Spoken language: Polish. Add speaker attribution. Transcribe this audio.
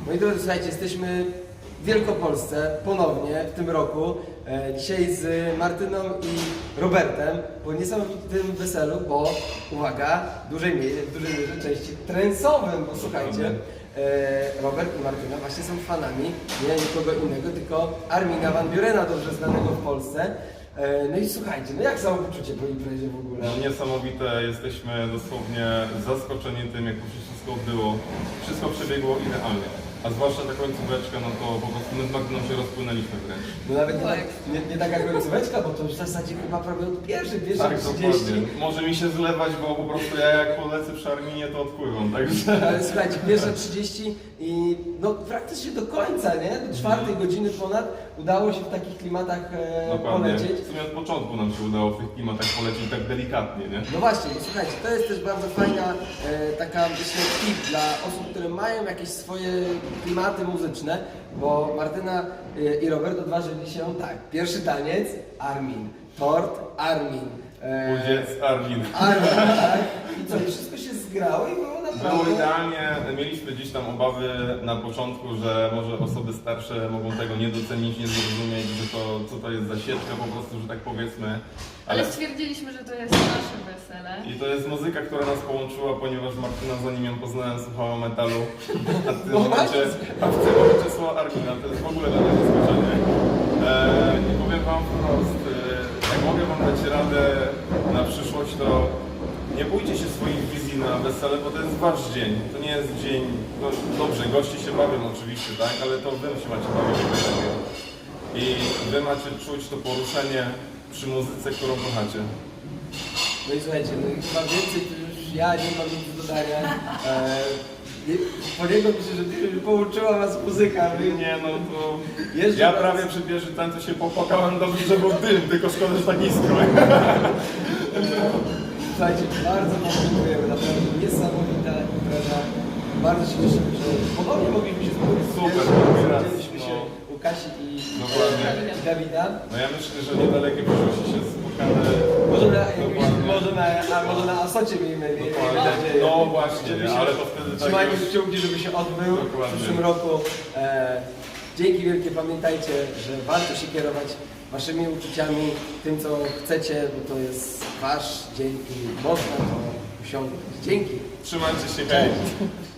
Speaker 1: Moi drodzy, słuchajcie, jesteśmy w Wielkopolsce ponownie w tym roku. Dzisiaj z Martyną i Robertem po niesamowitym weselu, bo uwaga, w dużej mierze części trensowym, bo słuchajcie, Robert i Martyna właśnie są fanami nie nikogo innego, tylko Armina van Burena, dobrze znanego w Polsce. No i słuchajcie, no jak samopoczucie po imprezie w ogóle?
Speaker 2: No niesamowite, jesteśmy dosłownie zaskoczeni tym, jak to się wszystko odbyło. Wszystko przebiegło idealnie. A zwłaszcza ta końcóweczka, no to po prostu my z Magdą się rozpłynęliśmy wręcz.
Speaker 1: No nawet nie taka końcóweczka, bo to już w zasadzie chyba prawie od pierwszych
Speaker 2: Tak,
Speaker 1: 30.
Speaker 2: dokładnie. Może mi się zlewać, bo po prostu ja jak polecę przy Arminie, to odpływam, także...
Speaker 1: Ale słuchajcie, pierwsze 30 i no praktycznie do końca, nie? Do 4 godziny ponad udało się w takich klimatach
Speaker 2: Dokładnie.
Speaker 1: polecieć.
Speaker 2: W sumie od początku nam się udało w tych klimatach polecieć tak delikatnie, nie?
Speaker 1: No właśnie, bo słuchajcie, to jest też bardzo fajna taka, myślę, tip dla osób, które mają jakieś swoje klimaty muzyczne, bo Martyna i Robert odważyli się tak, pierwszy taniec, Armin, tort, Armin.
Speaker 2: Udziec, Armin.
Speaker 1: Armin, tak? I co, i wszystko się zgrało i było naprawdę...
Speaker 2: Było idealnie, mieliśmy gdzieś tam obawy na początku, że może osoby starsze mogą tego nie docenić, nie zrozumieć, że to co to jest za sieczka po prostu, że tak powiedzmy.
Speaker 3: Ale stwierdziliśmy, że to jest nasze wesele.
Speaker 2: I to jest muzyka, która nas połączyła, ponieważ Martyna, zanim ją poznałem, słuchała metalu, a w tym momencie słuchała Armina, to jest w ogóle dla mnie zaskoczenie. I powiem wam wprost, jak mogę wam dać radę na przyszłość, to nie bójcie się swoich wizji na wesele, bo to jest wasz dzień. To nie jest dzień, no dobrze, goście się bawią oczywiście, tak, ale to wy się macie bawić jak najlepiej. I wy macie czuć to poruszenie przy muzyce, którą kochacie.
Speaker 1: No i słuchajcie, no i chyba więcej to już ja nie mam nic do dodania. Po niego myślę, że połączyła was muzyka.
Speaker 2: Nie no to...
Speaker 1: Jeszcze
Speaker 2: Ja
Speaker 1: raz.
Speaker 2: prawie przy pierwszym tańcu się popłakałem, dobrze, że był dym, tylko szkoda, że tak nisko.
Speaker 1: Słuchajcie, bardzo wam dziękujemy, naprawdę niesamowita impreza. Bardzo się cieszymy, że ponownie mogliśmy się spotkać.
Speaker 2: Super,
Speaker 1: Widzieliśmy się u Kasi i
Speaker 2: Dokładnie.
Speaker 1: Dawida.
Speaker 2: No ja myślę, że niedalekie przyszłości się spotkamy.
Speaker 1: Może na Asocie miejmy
Speaker 2: Dokładnie.
Speaker 1: nadzieję.
Speaker 2: No właśnie,
Speaker 1: Żeby się-
Speaker 2: ale to wtedy tak
Speaker 1: Trzymajmy
Speaker 2: już...
Speaker 1: kciuki, żeby się odbył w
Speaker 2: Dokładnie.
Speaker 1: przyszłym roku. Dzięki wielkie, pamiętajcie, że warto się kierować waszymi uczuciami, tym co chcecie, bo to jest wasz dzień i można to osiągnąć. Dzięki.
Speaker 2: Trzymajcie się, hej!
Speaker 1: Cześć.